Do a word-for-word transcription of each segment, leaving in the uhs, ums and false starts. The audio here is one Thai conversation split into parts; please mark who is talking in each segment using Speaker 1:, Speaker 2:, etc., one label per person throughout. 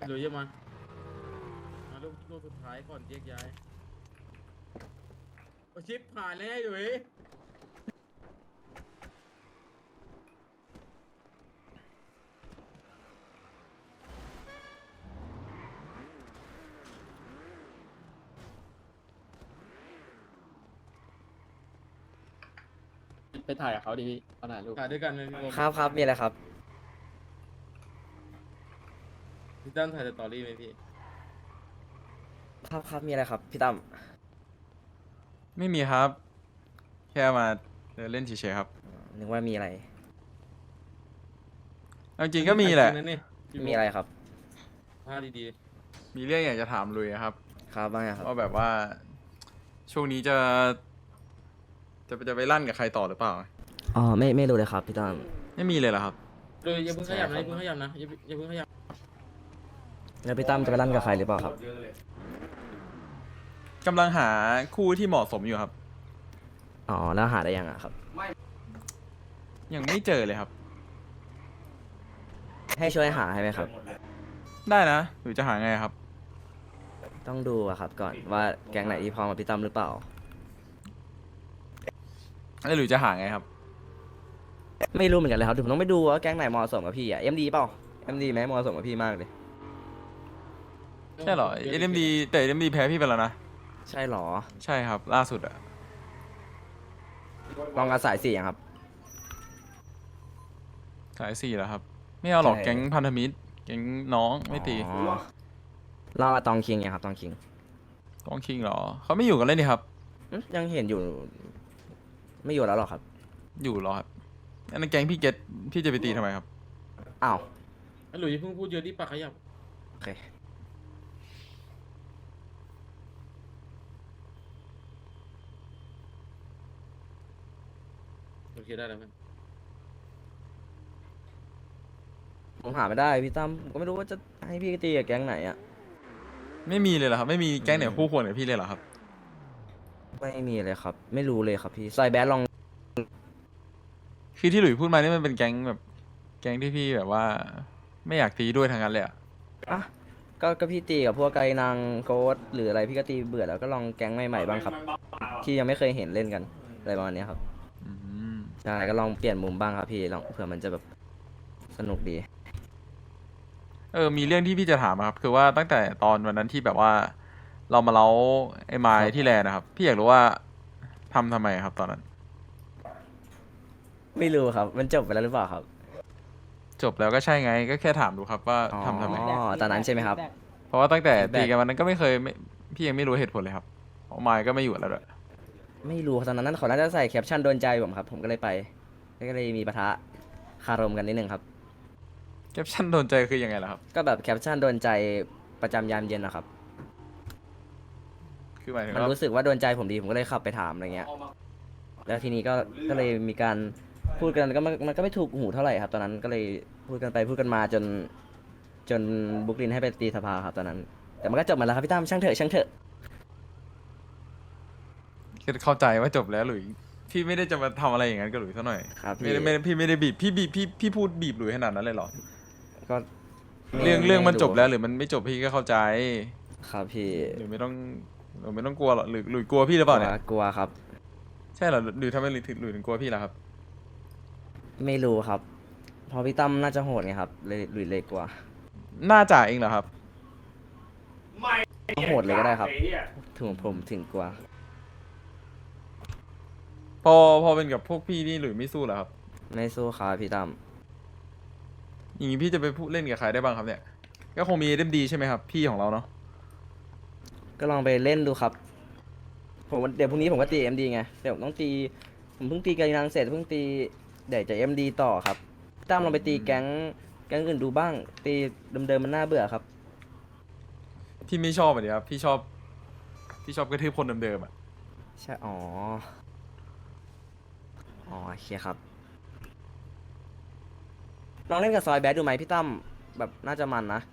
Speaker 1: หรือยังมามาลูกลูกสุดท้ายก่อนแยกย้ายโอชิปผ่านแล้วอยู่เว้ย
Speaker 2: ไปถ่ายกับเขาดิพี่เอาถ่ายรูป
Speaker 1: ถ่ายด้วยกันเลยพี่
Speaker 3: ครับครับมีอะไรครับ
Speaker 1: พี่ตั้มถ่ายสตอรี่ไหมพี่
Speaker 3: ครับครับมีอะไรครับพี่ตั้ม
Speaker 4: ไม่มีครับ แค่มาเดินเล่นเฉยๆครับ
Speaker 3: นึกว่ามีอะไร
Speaker 4: เอาจริงๆก็มีแหละ
Speaker 1: นั่นนี่พี่
Speaker 3: มีอะไรครับ
Speaker 1: ผ้าดี
Speaker 4: มีเรื่องอยากจะถามลุยครับ
Speaker 3: ครับว่าไงครับ
Speaker 4: ว่าแบบว่า ช่วงนี้จะ จะจะไปลั่นกับใครต่อหรือเปล่า
Speaker 3: อ๋อไม่ไม่รู้เลยครับพี่ตั้ม
Speaker 4: ไม่มีเลยเหรอครับ
Speaker 1: ๆเลยอย่าเพิ่งขยับนะอย่าเพิ่งขยับนะอย่าอย่าเพิ่งขยับ
Speaker 3: แล้วพี่ตั้มจะไปลั่นกับใครหรือเปล่าครับ
Speaker 4: กำลังหาคู่ที่เหมาะสมอยู่ครับ
Speaker 3: อ๋อแล้วหาได้ยังอะครับ
Speaker 4: ยังไม่เจอเลยครับ
Speaker 3: ให้ช่วยหาให้ไหมครับ
Speaker 4: ได้นะ หรือจะหาไงครับ
Speaker 3: ต้องดูอะครับก่อนว่าแก๊งไหนที่พร้อมกับพี่ตั้มหรือเปล่า
Speaker 4: แล้วหรือจะหาไงครับ
Speaker 3: ไม่รู้เหมือนกันเลยครับเดี๋ยวผมต้องไปดูว่าแก๊งไหนเหมาะสมกับพี่อะเอ็มดีเปล่าเอ็มดีไหมเหมาะสมกับพี่มากเลย
Speaker 4: ใช่เหรอ เอ็มดี แต่ เอ็มดี แพ้พี่ไปแล้วนะ
Speaker 3: ใช่หรอ
Speaker 4: ใช่ครับ ล่าสุดอะ
Speaker 3: ลองกับสายสี่ยังครับ
Speaker 4: สายสี่แล้วครับ ไม่เอาหรอก
Speaker 3: ใช่
Speaker 4: แก๊งพันธมิตร แก๊งน้องไม่ตี
Speaker 3: อ๋อลองกับตองคิงยังครับตองคิง
Speaker 4: กองคิงเหรอ เขาไม่อยู่กันเลยนี่ครับ
Speaker 3: อืมยังเห็นอยู่ ไม่อยู่แล้วหรอครับ
Speaker 4: อยู่เหรอครับอันนั้นแก๊งพี่เกตพี่จะไปตีทำไมครับ
Speaker 3: อ้าว
Speaker 1: ไอ้หลุยอย่าเพิ่งพูดเยอะดิปากขยับ
Speaker 3: โอเค
Speaker 1: โอเคได้แล้วมั้ย
Speaker 3: ผมหาไม่ได้พี่ตั้มผมก็ไม่รู้ว่าจะให้พี่ตีกับแก๊งไหนอะ
Speaker 4: ไม่มีเลยเหรอครับ ไม่มีแก๊งไหนคู่ควรกับพี่เลยเหรอครับ
Speaker 3: ไม่มีเลยครับ ไม่รู้เลยครับพี่ซอยแบดลอง
Speaker 4: คือที่หลุยพูดมานี่มันเป็นแก๊งแบบ แก๊งที่พี่แบบว่า ไม่อยากตีด้วยทางนั้นเลยอะ
Speaker 3: อ่ะก็ก็พี่ตีกับพวกไกนางโกดหรืออะไรพี่ก็ตีเบื่อแล้วก็ลองแก๊งใหม่ๆบ้างครับ ที่ยังไม่เคยเห็นเล่นกันอะไรประมาณเนี้ยครับ
Speaker 4: อืม
Speaker 3: ใช่ก็ลองเปลี่ยนมุมบ้างครับพี่ลองเผื่อมันจะแบบสนุกดี
Speaker 4: เออ มีเรื่องที่พี่จะถามอะครับ คือว่าตั้งแต่ตอนวันนั้นที่แบบว่า เรามาเล้าไอ้ไม้ที่แลนด์นะครับ พี่อยากรู้ว่าทำทำไมครับ ตอนนั้น
Speaker 3: ไม่รู้ครับ มันจบไปแล้วหรือเปล่าครับ
Speaker 4: จบแล้วก็ใช่ไง ก็แค่ถามดูครับว่าทำทำไม
Speaker 3: อ๋อตอนนั้นใช่ไหมครับ
Speaker 4: เพราะว่าตั้งแต่
Speaker 3: แบก
Speaker 4: ตีกันวันนั้นก็ไม่เคยไม่พี่ยังไม่รู้เหตุผลเลยครับเพราะไม้ก็ไม่อยู่แล้วด้วย
Speaker 3: ไม่รู้ตอนนั้นเขาน่าจะใส่แคปชั่นโดนใจผมครับผมก็เลยไปก็เลยมีปะทะคารมกันนิดนึงครับ
Speaker 4: แคปชั่นโดนใจคือยังไงล่ะครับ
Speaker 3: ก็แบบแคปชั่นโดนใจประจำยามเย็นนะครับ
Speaker 4: คือหมายถึง
Speaker 3: มัน
Speaker 4: ว่า
Speaker 3: รู้สึกว่าโดนใจผมดีผมก็เลยขับไปถามอะไรเงี้ย แล้วทีนี้ก็ก็เลยมีการพูดกันก็มันมันก็ไม่ถูกหูเท่าไหร่ครับ ตอนนั้นก็เลยพูดกันไปพูดกันมาจน จนบุกลินให้ไปตีสภาครับตอนนั้น แต่มันก็จบมาแล้วครับพี่ตั้มช่างเถอะช่างเถอะ
Speaker 4: คือเข้าใจว่าจบแล้วหลุยพี่ไม่ได้จะมาทำอะไรอย่างนั้นกับหลุยเท่าหน่อย
Speaker 3: ครับ
Speaker 4: ไม่
Speaker 3: พี่
Speaker 4: ได้ไม่ได้พี่ไม่ได้บีบพี่บีบพี่พี่พูดบีบหลุยขนาดนั้นเลยเหรอ
Speaker 3: ก็ไม่
Speaker 4: เรื่องเรื่องมัน
Speaker 3: ไ
Speaker 4: จบแล้วหรือมันไม่จบพี่ก็เข้าใจ
Speaker 3: ครับพี่
Speaker 4: หรือไม่ต้องหรือไม่ต้องกลัวหรอกหรือหลุยกลัวพี่หรือเปล่าเนี่ย
Speaker 3: กลัวครับ
Speaker 4: ใช่เหรอหรือทำไมหลุยถึงหลุยถึงกลัวพี่ล่ะครับ
Speaker 3: ไม่รู้ครับเพอพี่ตั้มน่าจะโหดไงครับเลยหลุยเลยกลัว
Speaker 4: น่าจ่าเองเหรอครับ
Speaker 3: โหดเลยก็ได้ครับถึงผมถึงกลัว
Speaker 4: พอพอเป็นกับพวกพี่นี่หลุยไม่สู้เหรอครับ
Speaker 3: ไม่สู้ครับพี่ตั้ม
Speaker 4: อย่างนี้พี่จะไปพูดเล่นกับใครได้บ้างครับเนี่ย ก็คงมีเอ็มดีใช่ไหมครับพี่ของเราเนาะ
Speaker 3: ก็ลองไปเล่นดูครับ ผมเดี๋ยวพรุ่งนี้ผมก็ตีเอ็มดีไงเดี๋ยวผมต้องตีผมเพิ่งตีกานังเสร็จเพิ่งตีเดี๋ยวจะเอ็มดีต่อครับพี่ตั้มลองไปตีแก๊งแก๊งอื่นดูบ้าง ตีเดิมๆมันน่าเบื่อครับ
Speaker 4: พี่ไม่ชอบอ่ะดิครับพี่ชอบพี่ชอบกระทืบคนเดิมๆอ่ะ
Speaker 3: ใช่อ๋ออ๋อโอเคครับลองเล่นกับซอยแบดดูไหมพี่ตั้มแบบน่าจะมันนะ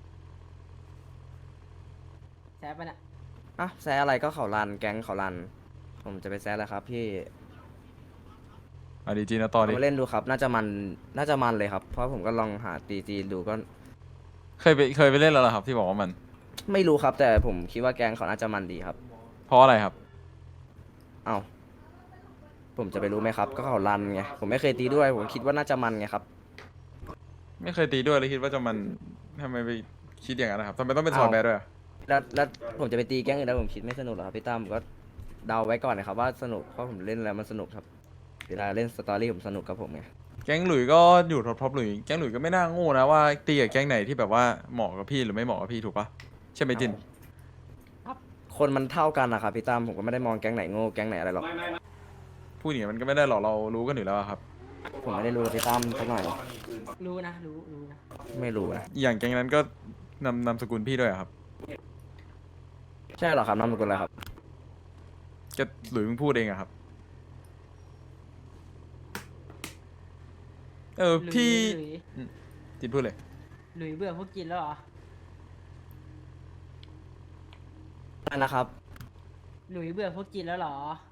Speaker 5: แซฟไปน่ะ
Speaker 3: อ่ะแซะอะไรก็เขารันแก๊งเขารัน ผมจะไปแซะแล้วครับพี่
Speaker 4: เอาดีจีนะต่อ
Speaker 3: ลอง
Speaker 4: ดิ
Speaker 3: ไปเล่นดูครับ น่าจะมันน่าจะมันเลยครับ เพราะผมก็ลองหาตีตีดูก็
Speaker 4: เคยไปเคยไปเล่นแล้วเหรอครับ ที่บอกว่ามัน
Speaker 3: ไม่รู้ครับ แต่ผมคิดว่าแกงเขาน่าจะมันดีครับ
Speaker 4: เพราะอะไรครับ
Speaker 3: เอ้าผมจะไปรู้ไหมครับ ก็เขารันไงผมไม่เคยตีด้วย ผมคิดว่าน่าจะมันไงครับ
Speaker 4: ไม่เคยตีด้วยเลยคิดว่าจะมันทำไมไปคิดอย่างนั้นนะครับทำไมต้องเป็นซอยแบดด้วยอะ
Speaker 3: แล้วแล้วผมจะไปตีแก๊งอื่นแล้วผมคิดไม่สนุกหรอครับพี่ตั้มก็เดาไว้ก่อนนะครับว่าสนุกเพราะผมเล่นแล้วมันสนุกครับเวลาเล่นสตอรี่ผมสนุกกับผมไง
Speaker 4: แก๊งหลุยก็อยู่ท็อปท็อปหลุยแก๊งหลุยก็ไม่น่าโง่นะว่าตีกับแก๊งไหนที่แบบว่าเหมาะกับพี่หรือไม่เหมาะกับพี่ถูกปะใช่ไหมจิน
Speaker 3: คนมันเท่ากันนะครับพี่ตั้มผมก็ไม่ได้มองแก๊งไหนโง่แก๊งไหนอะไรหรอก
Speaker 4: พูดอย่างนี้มันก็ไม่ได้หรอกเรารู้กันอยู่แล้วอะครับ
Speaker 3: ผมไม่ได้รู้กับพี่ตั้มสักหน่อย
Speaker 5: รู้นะ รู้รู้นะ
Speaker 3: ไม่รู้นะ
Speaker 4: อย่างแก๊งนั้นก็นำนามสกุลพี่ด้วยอะครับ
Speaker 3: ใช่เหรอครับนามสกุลอะไรครับ
Speaker 4: ก็หลุยเพิ่งพูดเองอะครับ เออ
Speaker 5: หลุย
Speaker 4: พี่
Speaker 5: หลุย
Speaker 4: จินพูดเลย
Speaker 5: หลุยเบื่อพวกกินแล้วเหรอ
Speaker 3: อะไรนะครับ
Speaker 5: หลุยเบื่อพวกกินแล้วเหรอ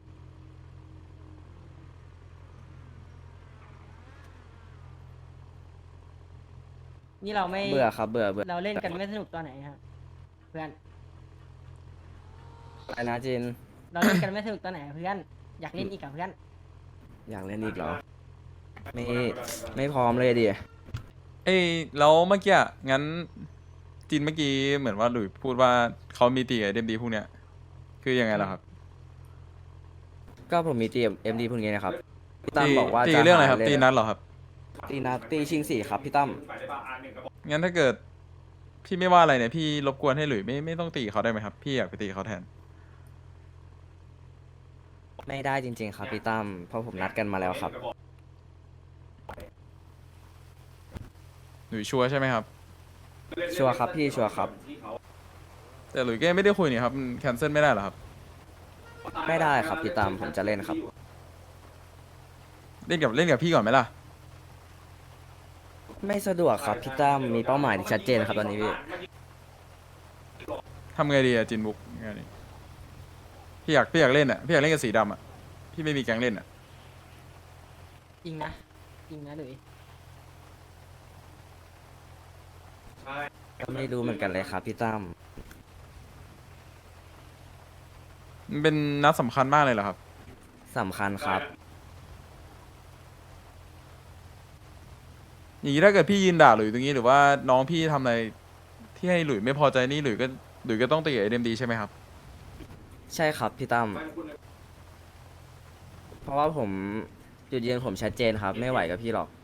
Speaker 5: นี่เราไม่
Speaker 3: เบื่อครับเบื่อเบื่อ
Speaker 5: เราเล่นกันไม่สนุกตอนไหนครับเพื่อน
Speaker 3: อะไรนะจิน
Speaker 5: เราเล่นกันไม่สนุกตอนไหนเพื่อน อยากเล่นอีกกับเพื่อน
Speaker 3: อยากเล่นอีกเหรอไม่ไม่พร้อมเลยดิ
Speaker 4: เอ้ยแล้วเมื่อกี้อะงั้นจินเมื่อกี้เหมือนว่าหลุยพูดว่าเขามีตีกับเดมดีพวกเนี้ยคือยังไงล่ะครับ
Speaker 3: ก็ผมมีตีเอ็มดีพวกนี้นะครับพี่ตั้ม
Speaker 4: ตี
Speaker 3: บอกว่า
Speaker 4: ตี
Speaker 3: จะ
Speaker 4: เรื่องอะไรครับ
Speaker 3: หา
Speaker 4: ตี
Speaker 3: ล่
Speaker 4: นัดเหรอครับ
Speaker 3: ตีนัดตีชิงสี่ครับพี่ตั้ม
Speaker 4: งั้นถ้าเกิด พี่ไม่ว่าอะไรเนี่ยพี่รบกวนให้หลุยไม่ไม่ต้องตีเขาได้ไหมครับ พี่อยากไปตีเขาแทน
Speaker 3: ไม่ได้จริง ๆ ครับพี่ตั้มเพราะผมนัดกันมาแล้วครับ
Speaker 4: หลุยชัวร์ใช่ไหมครับ
Speaker 3: ชัวร์ครับพี่ชัวร์ครับ
Speaker 4: แต่หลุยส์ก็ยังไม่ได้คุยนี่ครับแคนเซิลไม่ได้เหรอครับ
Speaker 3: ไม่ได้ครับพี่ตั้มผมจะเล่นครับ
Speaker 4: เล่นกับเล่นกับพี่ก่อนไหมล่ะ
Speaker 3: ไม่สะดวกครับพี่ตั้มมีเป้าหมายที่ชัดเจนครับตอนนี้พี่
Speaker 4: ทำไงดีอะจินบุ๊กงานนี้พี่อยากพี่อยากเล่นอะพี่อยากเล่นกับสีดำอะพี่ไม่มีแก๊งเล่นอะ
Speaker 5: จริงนะ จริงนะหลุย
Speaker 3: ก็ไม่รู้เหมือนกันเลยครับพี่ตั้ม
Speaker 4: มันเป็นนัดสำคัญมากเลยเหรอครับ
Speaker 3: สำคัญครับ
Speaker 4: อย่างนี้ถ้าเกิดพี่ยืนด่าหลุยส์ตรงนี้หรือว่าน้องพี่ทำอะไรที่ให้หลุยส์ไม่พอใจนี่หลุยส์ก็หลุยส์ก็ต้องตีกับเอ็มดีใช่ไหมครับ
Speaker 3: ใช่ครับพี่ตั้มเพราะว่าผมจุดยืนผมชัดเจนครับ ไม่ไหวกับพี่หรอก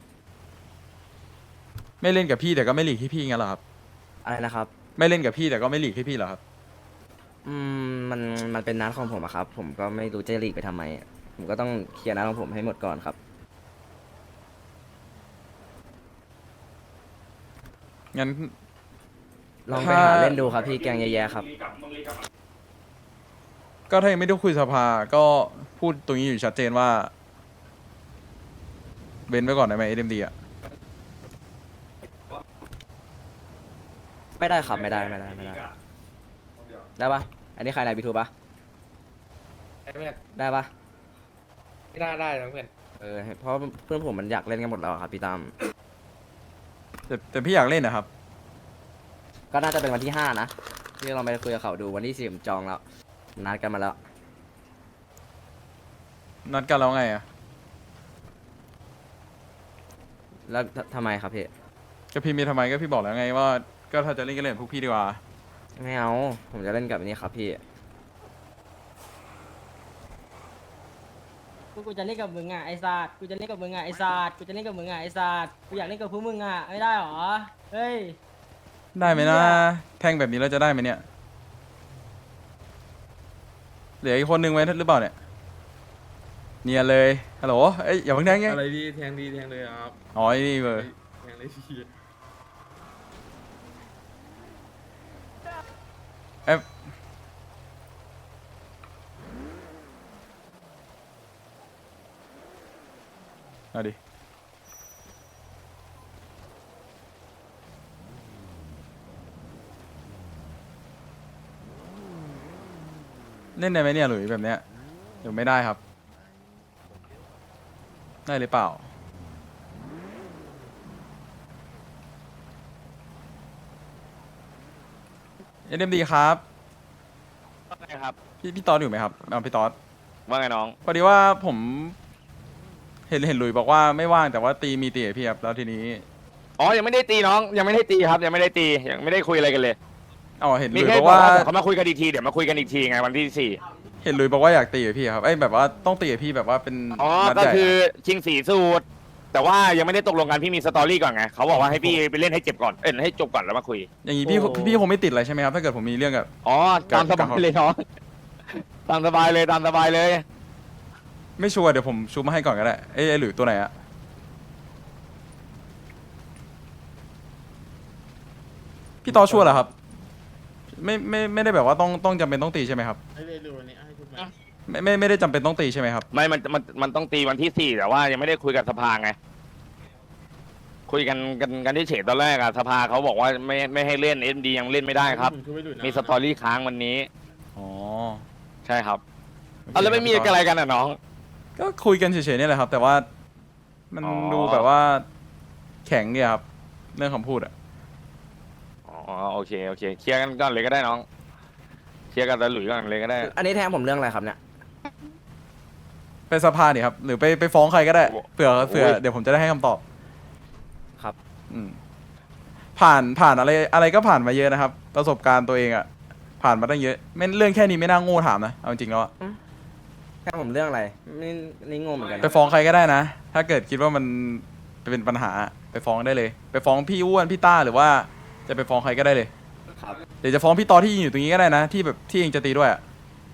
Speaker 4: ไม่เล่นกับพี่แต่ก็ไม่หลีกให้พี่งั้นเหรอครับ
Speaker 3: อะไรนะครับ
Speaker 4: ไม่เล่นกับพี่แต่ก็ไม่หลีกให้พี่เหรอครับ
Speaker 3: อืมมันมันเป็นนัดของผมอะครับ ผมก็ไม่รู้จะหลีกไปทำไมอะผมก็ต้องเคลียร์นัดของผมให้หมดก่อนครับ
Speaker 4: งั้น
Speaker 3: ลองไปหาเล่นดูครับพี่แกงแย่ๆครับ
Speaker 4: ก็ถ้ายังไม่ได้คุยสภาก็พูดตรงนี้อยู่ชัดเจนว่าเว้นไว้ก่อนได้ไหมเอ็มดีอะ
Speaker 3: ไม่ได้ครับไม่ได้ไม่ได้ไม่ได้ได้ปะอันนี้ใครไหนบีทูปะ
Speaker 2: เพื่อน
Speaker 3: ได้ปะ
Speaker 2: ไม่ได้ได้นะเพื่อน
Speaker 3: เออเพราะเพื่อนผมมันอยากเล่นกันหมดแล้วอะครับพี่ตั้ม
Speaker 4: แต่แต่พี่อยากเล่นนะครับ
Speaker 3: ก็น่าจะเป็นวันที่ห้านะที่เราไปคุยกับเขาดูวันที่สี่ผมจองแล้วนัดกันมาแล้ว
Speaker 4: นัดกันแล้วไงอะ
Speaker 3: แล้วททำไมครับพี่
Speaker 4: ก็พี่มีทำไมก็พี่บอกแล้วไงว่าก็ถ้าจะเล่นก็เล่นกับพวกพี่ดีกว่า
Speaker 3: ไม่เอาผมจะเล่นกับอันนี้ครับพี่
Speaker 5: กูกูจะเล่นกับมึงอ่ะไอ้ซาดกูจะเล่นกับมึงอ่ะไอ้ซาดกูจะเล่นกับมึงอ่ะไอ้ซาดกูอยากเล่นกับพวกมึงอ่ะไม่ได้หรอ เฮ้ย
Speaker 4: ได้ไหมนะ
Speaker 5: เนี่ย
Speaker 4: แท่งแบบนี้เราจะได้ไหมเนี่ยเหลืออีกคนนึงไว้หรือเปล่าเนี่ยเนียนเลยฮัลโหลเอ้ยอย่าเพิ่งแทงไง
Speaker 1: อะไรดีแทงดีแทงเลยครับ
Speaker 4: อ๋อไอ้นี่เบอร์
Speaker 1: แทงเลยพี่
Speaker 4: เอ๊ะเอาดิเล่นได้ไหมเนี่ยหลุยแบบเนี้ยเดี๋ยวไม่ได้ครับ ได้หรือเปล่าเอ็มดีครับ
Speaker 6: ว่าไงครับ
Speaker 4: พี่พี่ตอดอยู่ไหมครับเอาพี่ตอด
Speaker 6: ว่าไงน้อง
Speaker 4: พอดีว่าผมเห็นเห็นหลุยบอกว่าไม่ว่างแต่ว่าตีมีตีกับพี่ครับแล้วทีนี้
Speaker 6: อ๋อ ยังไม่ได้ตีน้อง ยังไม่ได้ตีครับ ยังไม่ได้ตี ยังไม่ได้คุยอะไรกันเลย
Speaker 4: อ๋อเห็นห
Speaker 6: มี
Speaker 4: ลุย
Speaker 6: แค่
Speaker 4: บอก
Speaker 6: บอก
Speaker 4: ว่า
Speaker 6: ว่าเดี๋ยวเขามาคุยกันอีกที เดี๋ยวมาคุยกันอีกทีไงวันที่สี่
Speaker 4: เห็นหลุยบอกว่าอยากตีกับพี่ครับไอ้ยแบบว่าต้องตีกับพี่แบบว่าเป็น
Speaker 6: อ๋อ
Speaker 4: นัด
Speaker 6: ก็
Speaker 4: ใหญ่
Speaker 6: คือ
Speaker 4: อะ
Speaker 6: ชิงสีสูตร แต่ว่ายังไม่ได้ตกลงกันพี่มีสตอรี่ก่อนไง เขาบอกว่าให้พี่ไปเล่นให้เจ็บก่อน เอ้ยให้จบก่อนแล้วมาคุย
Speaker 4: อย่างงี้พี่พี่พี่คงไม่ติดอะไรใช่ไหมครับถ้าเกิดผมมีเรื่องกับ
Speaker 6: อ๋อ ตามสบายเลยน้อง ตามสบายเลยตามสบายเลย
Speaker 4: ไม่ชัวร์เดี๋ยวผมชูมาให้ก่อนก็ได้เอ้ยไอ้หลุยตัวไหนอะพี่ตอชัวร์เหรอครับไม่ไม่ไม่ได้แบบว่าต้องต้องจำเป็นต้องตีใช่ไหมครับ
Speaker 1: ให้เลยเลยวันนี้ให้ทุกไหม
Speaker 4: ไม่ไม่ไม่ได้จำเป็นต้องตีใช่ไหมครับ
Speaker 6: ไม่ มัน มัน มันต้องตีวันที่สี่แต่ว่ายังไม่ได้คุยกับสภาไง คุยกันกันกันที่เฉดตอนแรกอะสภาเขาบอกว่าไม่ไม่ให้เล่นเอ็มดียังเล่นไม่ได้ครับ
Speaker 1: ผมช่วยไว้ดูนะ
Speaker 6: มีสตอรี่ค้างวันนี้
Speaker 4: อ๋อ
Speaker 6: ใช่ครับเอาแล้วไม่มีอะไรกันอ่ะน้อง
Speaker 4: ก็คุยกันเฉยๆเนี่ยแหละครับ แต่ว่ามัน
Speaker 6: อ๋อ
Speaker 4: ดูแบบว่าแข็งเนี่ยครับเรื่องคำพูดอะ
Speaker 6: อ๋อโอเคโอเคเคลียร์กันก่อนเลยก็ได้น้องเคลียร์กันตะหลุยก่อนเลยก็ได้
Speaker 3: อันนี้แทงผมเรื่องอะไรครับเนี่ย
Speaker 4: ไปสภาเนี่ยครับหรือไปไปฟ้องใครก็ได้เผื่อเผื่อ
Speaker 6: โอ้ย
Speaker 4: เดี๋ยวผมจะได้ให้คำตอบ
Speaker 3: ครับ
Speaker 4: อืมผ่านผ่านอะไรอะไรก็ผ่านมาเยอะนะครับ ประสบการณ์ตัวเองอะผ่านมาตั้งเยอะไม่เรื่องแค่นี้ไม่น่าโง่ถามนะเอาจริงๆแล้วอะ
Speaker 3: แทงผมเรื่องอะไรนี่นี่งงเหมือนกัน
Speaker 4: ไปฟ้องใครก็ได้นะ ถ้าเกิดคิดว่ามันเป็นปัญหาไปฟ้องได้เลย ไปฟ้องพี่อ้วนพี่ต้าหรือว่าจะไปฟ้องใครก็ได้เลย
Speaker 3: ครับ
Speaker 4: เดี๋ยวจะฟ้องพี่ตอที่ยืนอยู่ตรงนี้ก็ได้นะ ที่แบบที่เองจะตีด้วยอะ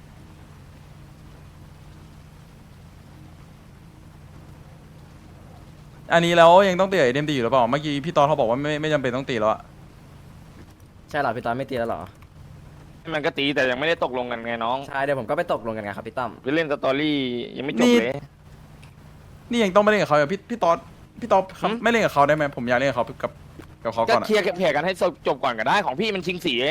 Speaker 4: อันนี้แล้วยังต้องตีกับเอ็มดีอยู่หรือเปล่าเมื่อกี้พี่ตอเขาบอกว่าไม่ไม่จำเป็นต้องตีแล้วอะ
Speaker 3: ใช่เหรอพี่ต้อมไม่ตีแล้วเหรอ
Speaker 6: มันก็ตีแต่ยังไม่ได้ตกลงกันไงน้อง
Speaker 3: ใช่เดี๋ยวผมก็ไปตกลงกันไงครับพี่ต้อม
Speaker 6: ไปเล่นสตอรี่ยังไม่จบเลย
Speaker 4: นี่ยังต้องไม่เล่นกับเขาอยู่พี่พี่ตอพี่ตอครับ
Speaker 6: หืม
Speaker 4: ไม่เล่นกับเขาได้ไหมผมอยากเล่นกับเขากับกับเขา
Speaker 6: ก็
Speaker 4: ก่อนอะ
Speaker 6: เคลียร์เคลียร์กันให้จบก่อนก็ได้ของพี่มันชิงสีเอง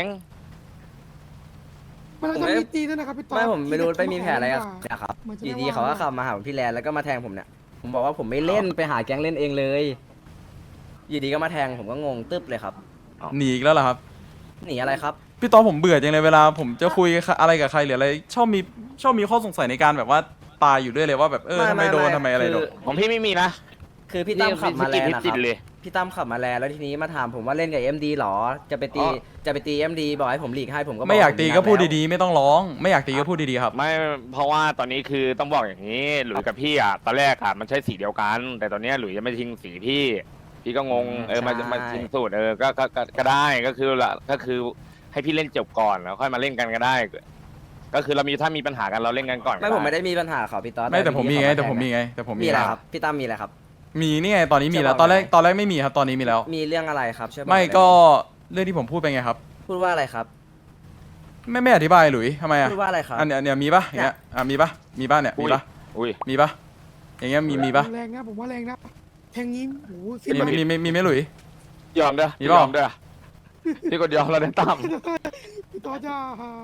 Speaker 7: มันจะมีตีด้วยนะครับพี่ต๊อด
Speaker 3: ไม่ผมไม่รู้
Speaker 7: ที่
Speaker 3: ไม่มีแผลอะไรกับ
Speaker 7: ว่า
Speaker 3: เนี่ยครับ
Speaker 7: เหมือนจะ
Speaker 3: อยู่
Speaker 7: ไม่
Speaker 3: ดี
Speaker 7: ว่าง
Speaker 3: เขาก็ขับมาหาผมที่แลนด์แล้วก็มาแทงผมเนี่ย ผมบอกว่าผมไม่เล่นไปหาแก๊งเล่นเองเลย อยู่ดีก็มาแทงผมก็งงตึ๊บเลยครับ
Speaker 4: หนีอีกแล้วเหรอครับ
Speaker 3: หนีอะไรครับ
Speaker 4: พี่ตอผมเบื่อจังเลยเวลาผมจะคุยอะไรกับใครหรืออะไรชอบมีชอบมีข้อสงสัยในการแบบว่าตายอยู่ด้วยเลยว่าแบบเออทำไมโดนทำไมอะไรโดน
Speaker 6: ของพี่ไม่มีนะ
Speaker 3: คือพี่ตั้มขับมาแลนด์
Speaker 6: พี่
Speaker 3: นะค
Speaker 6: ติ
Speaker 3: รั
Speaker 6: ด
Speaker 3: บ
Speaker 6: เลย
Speaker 3: พี่ตั้มขับมาแลนด์แล้วทีนี้มาถามผมว่าเล่นกับเอ็มดีหรอ จะไปตี
Speaker 6: อ๋อ
Speaker 3: จะไปตีเอ็มดีบอกให้ผมหลีกให้ผมก็บ
Speaker 4: ไม่อยากตีก็พูด
Speaker 3: ๆ
Speaker 4: ดีๆ ไม่ต้องร้อง ไม่อยากตีก็พูดดีๆครับ
Speaker 6: ไม่เพราะว่าตอนนี้คือต้องบอกอย่างนี้ หลุยกับพี่อ่ะตอนแรกอ่ะมันใช้สีเดียวกัน แต่ตอนเนี้ยหลุยจะไม่ทิ้งสีพี่ พี่ก็งงเออมามาทิ้งสูตรเออก็ก็ก็ก็ได้ก็คือละก็คือให้พี่เล่นจบก่อนแล้วค่อยมาเล่นกันก็ได้ ก็คือเรามีถ้ามีปัญหากันเราเล่นกันก่อนก็
Speaker 3: ไม่ผมไม่ได้มีปัญหาเขาพี่ต๊อด
Speaker 4: ไม่แต่ผมมีไง
Speaker 3: พี่
Speaker 4: แต่ผม
Speaker 3: เขาา
Speaker 4: มีไงแต่ผม
Speaker 3: มี
Speaker 4: มี
Speaker 3: อะไร
Speaker 4: แล้ว
Speaker 3: ครับพี่ตั้มมีอะไรครับ
Speaker 4: มีนี่ไงตอนนี้มีแล้ว
Speaker 3: จะบอก
Speaker 4: ตอนแรก
Speaker 3: ไหม
Speaker 4: ตอนแรกไม่มีครับตอนนี้มีแล้ว
Speaker 3: มีเรื่องอะไรครับช่วยบอก
Speaker 4: ไม่
Speaker 3: หน่อย
Speaker 4: ก็เรื่องที่ผมพูดไปไงครับ
Speaker 3: พูดว่าอะไรครับ
Speaker 4: ไม่ไม่อธิบายหลุยทำไมอ่ะ
Speaker 3: พูดว่าอะไรครับ
Speaker 4: อันเนี้ยอันเนี้ยมีปะอย่างเงี้ยอ่ะมีปะมีปะเนี่ยมีปะ
Speaker 6: อุ้ย
Speaker 4: มีปะอย่างเงี้ยมีมีปะ
Speaker 7: แรงนะผมว่าแรงนะแทงนี้โอ้โหสิ
Speaker 4: มีมีมีมีไหมหลุย
Speaker 6: ยอมเด้อ
Speaker 4: มีเปล่า
Speaker 6: ยอมเด้อพี่กดยอมแล้วเดินตาม
Speaker 7: พี่ต๊อดจะ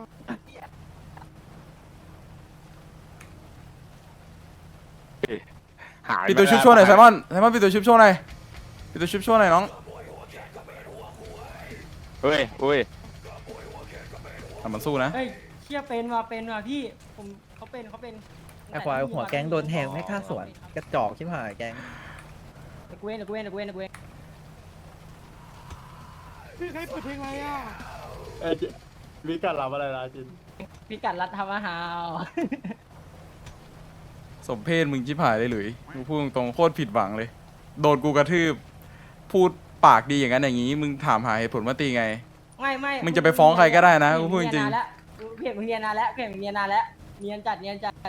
Speaker 6: หาย
Speaker 4: ปิดตัวชุบโชว์หน่อยไซมอนไซมอนปิดตัวชุบโชว์หน่อยปิดตัวชุบโชว์หน่อยน้อง
Speaker 6: เฮ้ยอุ้ย
Speaker 4: ทำมันสู้นะ
Speaker 5: เฮ้ยเชี่ยเป็นว่ะเป็นว่ะพี่ผมเขาเป็นเขาเป็น
Speaker 8: ไอ้ควายหัวแก๊งโดนแทงไม่ฆ่าสวนกระจอกชิบหายแก๊ง
Speaker 5: เดี๋ยวกูเองเดี๋ยวกูเองเดี๋ยวกูเองเดี๋ยวกูเอง
Speaker 7: พี่ใครเปิดเพลงอะไรอ่ะ
Speaker 1: วิการรับอะไรนะจิน
Speaker 5: พี่กัดรัดทำอาหาร
Speaker 4: สมเพศมึงชิบหายเลยหลุยกูพูดตรงๆโคตรผิดหวังเลย โดนกูกระทืบ พูดปากดีอย่างนั้นอย่างนี้ มึงถามหาเหตุผลว่าตีไง
Speaker 5: ไม่ไม่
Speaker 4: มึงจะไปฟ้องใครก็ได้นะกูพูดจริง
Speaker 5: เพียงมึงเรียนนานแล้วเพียงมึงเรียนนานแล้วเรียนจัดเรียนจัด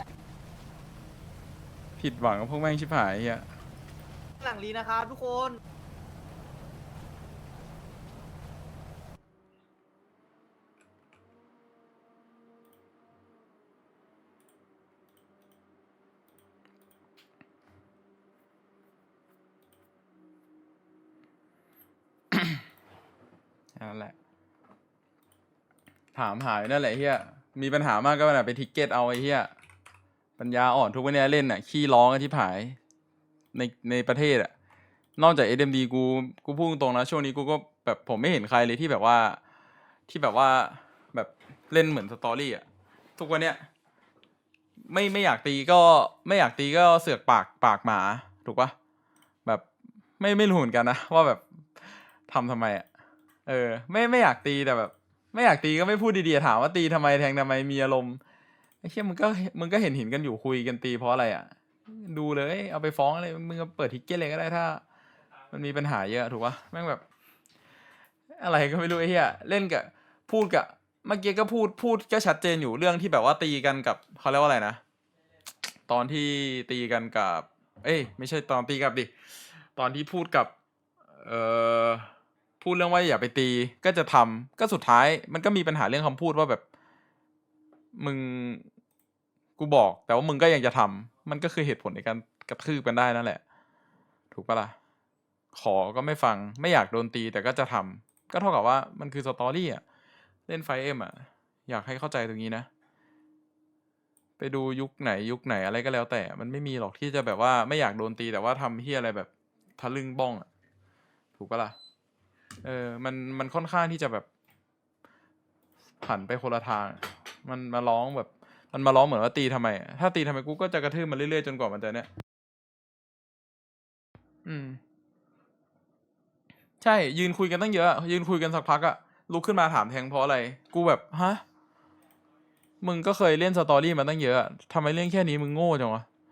Speaker 4: ผิดหวังกับพวกแม่งชิบหายเฮีย
Speaker 8: หลังลีนะครับทุกคน
Speaker 4: นั่นแหละ ถามหายนั่นแหละเฮียมีปัญหามากก็แบบไปทิกเก็ตเอาไอ้เฮียปัญญาอ่อนทุกวันนี้เล่นอ่ะขี้ร้องกันที่ผายในในประเทศอ่ะนอกจาก เอส เอ็ม ดี กูกูพูดตรงๆนะช่วงนี้กูก็แบบผมไม่เห็นใครเลยที่แบบว่าที่แบบว่าเล่นเหมือนสตอรี่อะทุกวันเนี้ยไม่ไม่อยากตีก็ไม่อยากตีก็เสือกปากปากหมาถูกปะแบบไม่ไม่รู้เหมือนกันนะว่าแบบทำทำไมอะเออ ไม่ไม่อยากตีแต่แบบ ไม่อยากตีก็ไม่พูดดีๆถามว่าตีทำไมแทงทำไมมีอารมณ์ไอ้เชี่ยมึงก็มึงก็เห็นเห็นกันอยู่คุยกันตีเพราะอะไรอ่ะดูเลยเอาไปฟ้องเลยมึงก็เปิดทิกเก็ตเลยก็ได้ถ้า มันมีปัญหาเยอะถูกปะแม่งแบบ อะไรก็ไม่รู้ไอ้เหี้ยเล่นกับพูดกับเมื่อกี้ก็พูดพูดก็ชัดเจนอยู่เรื่องที่แบบว่าตีกันกับเขาเรียกว่าอะไรนะตอนที่ตีกันกับ เอ้ยไม่ใช่ตอนตีกับดิตอนที่พูดกับเอ่อพูดเรื่องว่าอย่าไปตีก็จะทำก็สุดท้ายมันก็มีปัญหาเรื่องคำพูดว่าแบบ มึงกูบอกแต่ว่ามึงก็ยังจะทำมันก็คือเหตุผลในการกระทืบกันได้นั่นแหละ ถูกปะล่ะขอก็ไม่ฟังไม่อยากโดนตีแต่ก็จะทำก็เท่ากับว่ามันคือสตอรี่อ่ะเล่นไฟเอ็มอ่ะอยากให้เข้าใจตรงนี้นะ ไปดูยุคไหนยุคไหนอะไรก็แล้วแต่มันไม่มีหรอกที่จะแบบว่าไม่อยากโดนตีแต่ว่าทำเฮียอะไรแบบทะลึ่งบ้องอ่ะถูกปะล่ะเออมันมันค่อนข้างที่จะแบบผันไปคนละทาง มันมาร้องแบบ มันมาร้องเหมือนว่าตีทำไมอะถ้าตีทำไมกูก็จะกระทืบมันเรื่อยๆจนกว่ามันจะเนี่ยอืม ใช่ยืนคุยกันตั้งเยอะยืนคุยกันสักพักอะลุกขึ้นมาถามแทงเพราะอะไร กูแบบฮะมึงก็เคยเล่นสตอรี่มาตั้งเยอะทำไมเรื่องแค่นี้มึงโง่จังวะ